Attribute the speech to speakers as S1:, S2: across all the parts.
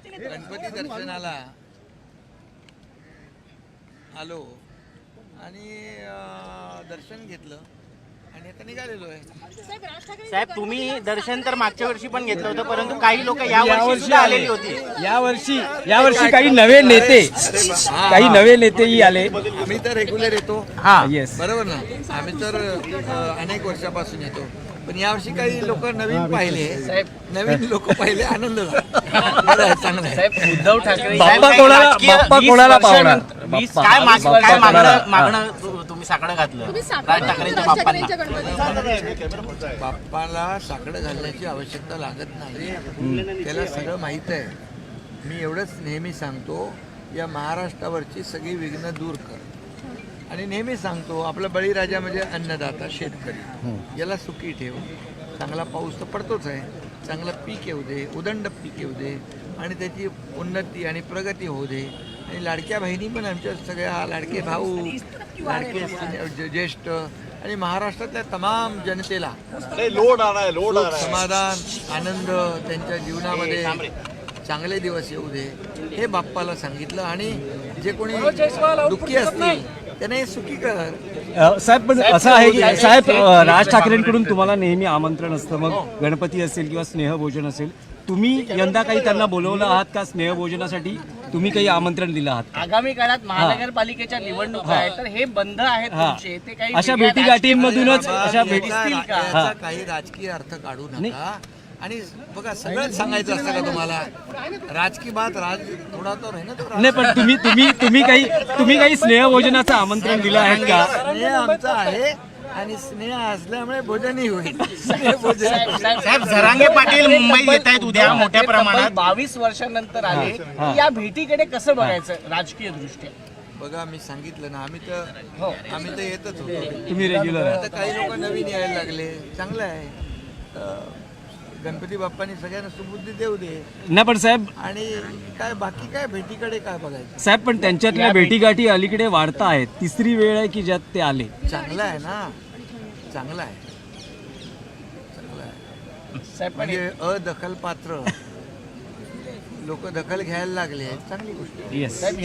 S1: गणपती दर्शनाला आलो आणि दर्शन घेतलं आणि आता निघालेलो आहे.
S2: साहेब तुम्ही दर्शन तर मागच्या वर्षी पण घेतलं होतं, परंतु काही लोक यावर्षी आलेली होती.
S3: यावर्षी काही नवे नेतेही आले.
S1: आम्ही तर रेग्युलर येतो.
S3: येस,
S1: बरोबर ना. आम्ही तर अनेक वर्षापासून येतो, पण यावर्षी काही लोक नवीन पाहिले. नवीन लोक पाहिले, आनंद झाला. चांगलं आहे.
S2: उद्धव ठाकरे
S3: बाप्पा कोणाला पावणार?
S2: काय मागणं तुम्ही साकडं घातलं राज ठाकरेंच्या बाप्पांना?
S1: बाप्पाला साकडं घालण्याची आवश्यकता लागत नाही, त्याला सगळं माहीत आहे. मी एवढंच नेहमी सांगतो, या महाराष्ट्रावरची सगळी विघ्न दूर कर. आणि नेहमी सांगतो, आपला बळीराजा म्हणजे अन्नदाता शेतकरी, याला सुखी ठेव. चांगला पाऊस तर पडतोच आहे, चांगलं पीक येऊ दे, उदंड पीक येऊ दे आणि त्याची उन्नती आणि प्रगती होऊ दे. आणि लाडक्या बहिणी पण आमच्या सगळ्या, लाडके भाऊ, लाडके ज्येष्ठ आणि महाराष्ट्रातल्या तमाम जनतेला समाधान, आनंद, त्यांच्या जीवनामध्ये चांगले दिवस येऊ दे, हे बाप्पाला सांगितलं. आणि जे कोणी दुःखी असतील त्याने सुखी कर.
S3: साहेब, पण असं आहे की साहेब, राज ठाकरेंकडून तुम्हाला नेहमी आमंत्रण असतं, मग गणपती असेल किंवा स्नेहभोजन असेल, तुम्ही यंदा काही त्यांना बोलवलं आहात का स्नेहभोजनासाठी? तुम्ही काही आमंत्रण दिलं आहात?
S2: आगामी काळात महानगरपालिकेच्या निवडणुका आहेत, तर हे बंद आहेत तुमचे, ते काही
S3: अशा भेटीगाठींमधूनच अशा
S1: भेटीतील काही राजकीय अर्थ काढू नका. आणि बघा, सगळंच सांगायचं असतं का तुम्हाला? राजकीय बात थोडा तर आहे ना तो.
S3: नाही, पण तुम्ही काही स्नेहभोजनाचं आमंत्रण दिलं आहे का?
S1: स्नेह आमचा आहे आणि स्नेह असल्यामुळे भोजनही होईल.
S2: साहेब, झरांगे पाटील मुंबईत येत आहेत उद्या मोठ्या प्रमाणात. 22 वर्षांनंतर आले, या भेटीकडे कसं बघायचं राजकीय दृष्ट्या?
S1: बघा, मी सांगितलं ना, आम्ही तर येतच होतो.
S3: तुम्ही रेग्युलर आहे.
S1: आता काही लोक नवीन यायला लागले, चांगलं आहे. गणपती बाप्पानी सगळ्यांना सुबुद्धी देऊ दे.
S3: नाही पण साहेब,
S1: आणि काय बाकी काय भेटीकडे काय बघायचं?
S3: साहेब, पण त्यांच्यातल्या भेटीगाठी अलीकडे वाढता आहेत. तिसरी वेळ आहे की ज्यात ते आले.
S1: चांगलं आहे ना, चांगलं आहे.
S2: साहेब,
S1: म्हणजे अदखल पात्र लोक दखल घ्यायला लागले, चांगली गोष्ट आहे.
S3: येस
S1: साहेब,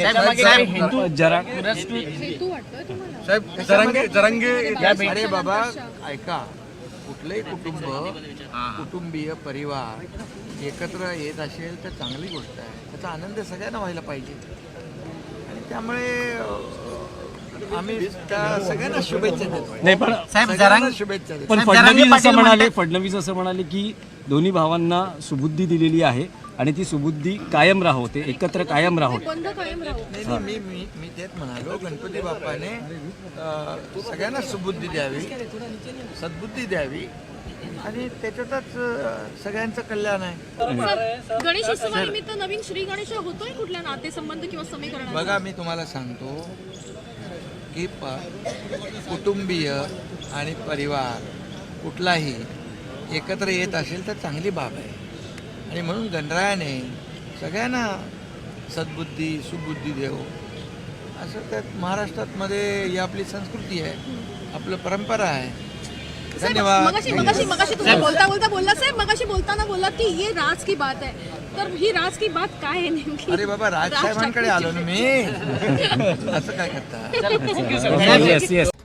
S1: अरे बाबा ऐका, कुठलंही कुटुंबीय परिवार एकत्र येत असेल तर चांगली गोष्ट आहे. त्याचा आनंद सगळ्यांना व्हायला पाहिजे. आणि त्यामुळे आम्ही त्या सगळ्यांना शुभेच्छा देतो.
S3: नाही पण
S1: साहेब, शुभेच्छा देतो.
S3: पण फडणवीस असं म्हणाले की दोन्ही भावांना सुबुद्धी दिलेली आहे आणि ती सुबुद्धी कायम राहो, ते एकत्र कायम राहो.
S1: नाही, मी तेच म्हणालो, गणपती बाप्पाने सगळ्यांना सुबुद्धी द्यावी, सद्बुद्धी द्यावी आणि त्याच्यातच सगळ्यांचं कल्याण आहे.
S4: गणेश उत्सवानिमित्त नवीन श्री गणेश होतोय कुठल्या नातेसंबंध किंवा समीकरण?
S1: बघा, मी तुम्हाला सांगतो की कुटुंबीय आणि परिवार कुठलाही एकत्र येत असेल तर चांगली बाब आहे. आणि म्हणून गणरायाने सगळ्यांना सद्बुद्धी, सुबुद्धी देव, असं त्यात महाराष्ट्रात ही आपली संस्कृती आहे, आपलं परंपरा आहे. धन्यवाद.
S4: मगाशी तुम्ही बोलता बोलला साहेब, मगाशी बोलताना बोलला की ये राज की बात है, तर ही राज की बात काय आहे नेमकी?
S1: अरे बाबा, राजसाहेबांकडे आलो ना मी. असं काय करता?